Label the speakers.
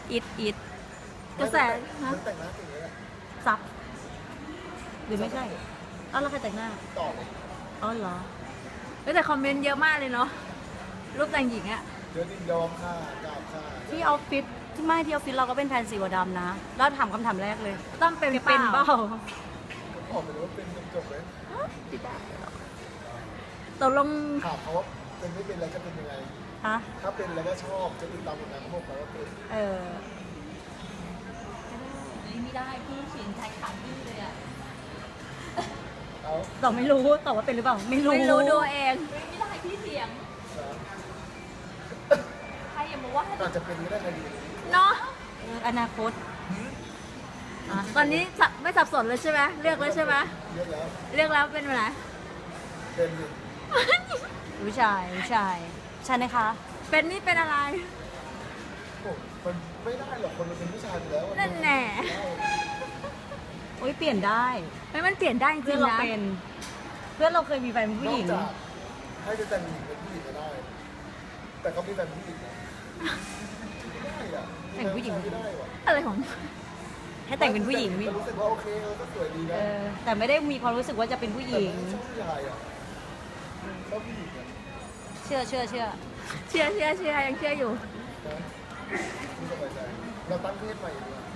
Speaker 1: อิดกระแสฮะ
Speaker 2: มันแต่งหน้าเก่งเลยอะ
Speaker 1: ซับหรือไม่ใช่อ้าวแล้วใครแต่งหน้า
Speaker 2: ต่อเลย
Speaker 1: อ๋อเหรอเฮ้ยแต่คอมเมนต์เยอะมากเลยเนาะรูปแต่งหญิงอะ
Speaker 2: เดี๋ยวนี้ยอมค่ากราบค่า
Speaker 3: ที่ออฟฟิศที่ไม่ที่ออฟฟิศเราก็เป็นแพนสีหัวดำนะ แล้วถามคำถามแรกเลย
Speaker 1: ต้องเป็น
Speaker 3: เป็นเปล่า
Speaker 2: ออกไปเลยว่าเป็นจบๆเลย
Speaker 1: ตกลง
Speaker 2: ถามเขาว่าเป็นไม่เป็นอะไรจะเป็นยังไง
Speaker 3: ฮะ
Speaker 2: ถ้าเป็นแล้วก็ชอบจะติดตามผลงานของพวกเราว่าเป็น
Speaker 3: เออ
Speaker 1: ไม่ได้พี่เขียนใช้ขาพี่เลยอะ
Speaker 2: เอา
Speaker 3: ตอบไม่รู้ตอบว่าเป็นหรือเปล่า ไม่รู้
Speaker 1: ไม่รู้ดูเองไม่ได้พี่เสียงใครอย่ามาว่า
Speaker 2: อาจจะเป็นก็ได้ใครดี
Speaker 1: เนาะ
Speaker 3: อนาคต
Speaker 1: ตอนนี้ไม่สับสนเลยใช่ไหมเลือกแล้วใช่ไหม
Speaker 2: เยอะแล้ว
Speaker 1: เลือกแล้วเป็นอะไร
Speaker 2: เป็นอยู่
Speaker 3: ผู้ชายใช่ไหมคะ
Speaker 1: เป็นนี่เป็นอะไร
Speaker 2: โอ้มันไม่ได้หรอกคนมันเป็นผู้ชายอยู่แล้ว
Speaker 1: นั่นแน่
Speaker 3: โอ้ยเปลี่ยนได้
Speaker 1: ไม่มันเปลี่ยนได้จ
Speaker 3: เพื่
Speaker 1: ริ
Speaker 3: อน
Speaker 1: ง
Speaker 3: เรา
Speaker 1: ๆนะ
Speaker 3: เป็น เพื่อนเราเคยมีแฟนเป็นผู้
Speaker 2: น
Speaker 3: ห
Speaker 2: อ
Speaker 3: ญิ
Speaker 2: ก
Speaker 3: ง
Speaker 2: จากให้จะแต่งหญิงเป็นผู้หญิงก็ได้ แต่เขามีแฟนผู้หญิงนะไม่ได้อะ
Speaker 3: แต่งผู้หญิง
Speaker 2: ไม่ได้ว่ะ
Speaker 1: อะไรของ
Speaker 3: ให้แต่งเป็นผู้หญิง
Speaker 2: แต่รู้สึกว่าโอเคก็สวยดี
Speaker 3: เอ
Speaker 2: นะ
Speaker 3: อแต่ไม่ได้มีความรู้สึกว่าจะเป็นผู้ห
Speaker 2: แต่
Speaker 3: ญิง
Speaker 2: ไม่ชอบผู้ชายอ่ะชอบผู้หญิงอ่ะ
Speaker 3: เชื่อ
Speaker 1: เชื่อยังเชื่ออยู่
Speaker 2: นะไม่สบายใจเราตั้งเพศใหม่ดีกว่า